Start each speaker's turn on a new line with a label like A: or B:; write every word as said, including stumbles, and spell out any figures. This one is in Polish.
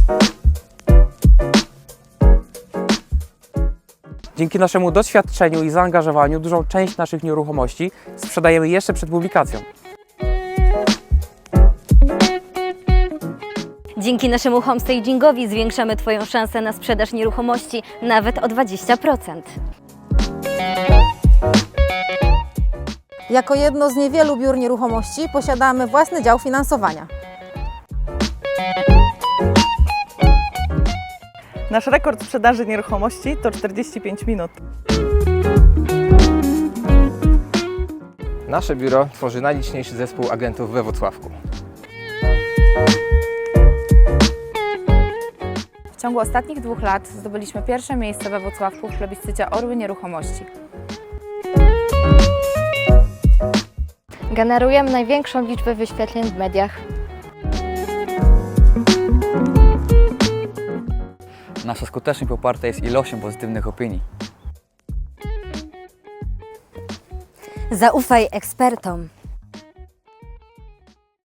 A: Dzięki naszemu doświadczeniu i zaangażowaniu dużą część naszych nieruchomości sprzedajemy jeszcze przed publikacją.
B: Dzięki naszemu homestagingowi zwiększamy Twoją szansę na sprzedaż nieruchomości nawet o dwadzieścia procent.
C: Jako jedno z niewielu biur nieruchomości posiadamy własny dział finansowania.
D: Nasz rekord sprzedaży nieruchomości to czterdzieści pięć minut.
E: Nasze biuro tworzy najliczniejszy zespół agentów we Włocławku.
F: W ciągu ostatnich dwóch lat zdobyliśmy pierwsze miejsce we Włocławku w plebiscycie Orły Nieruchomości.
G: Generujemy największą liczbę wyświetleń w mediach.
H: Nasza skuteczność poparta jest ilością pozytywnych opinii.
B: Zaufaj ekspertom.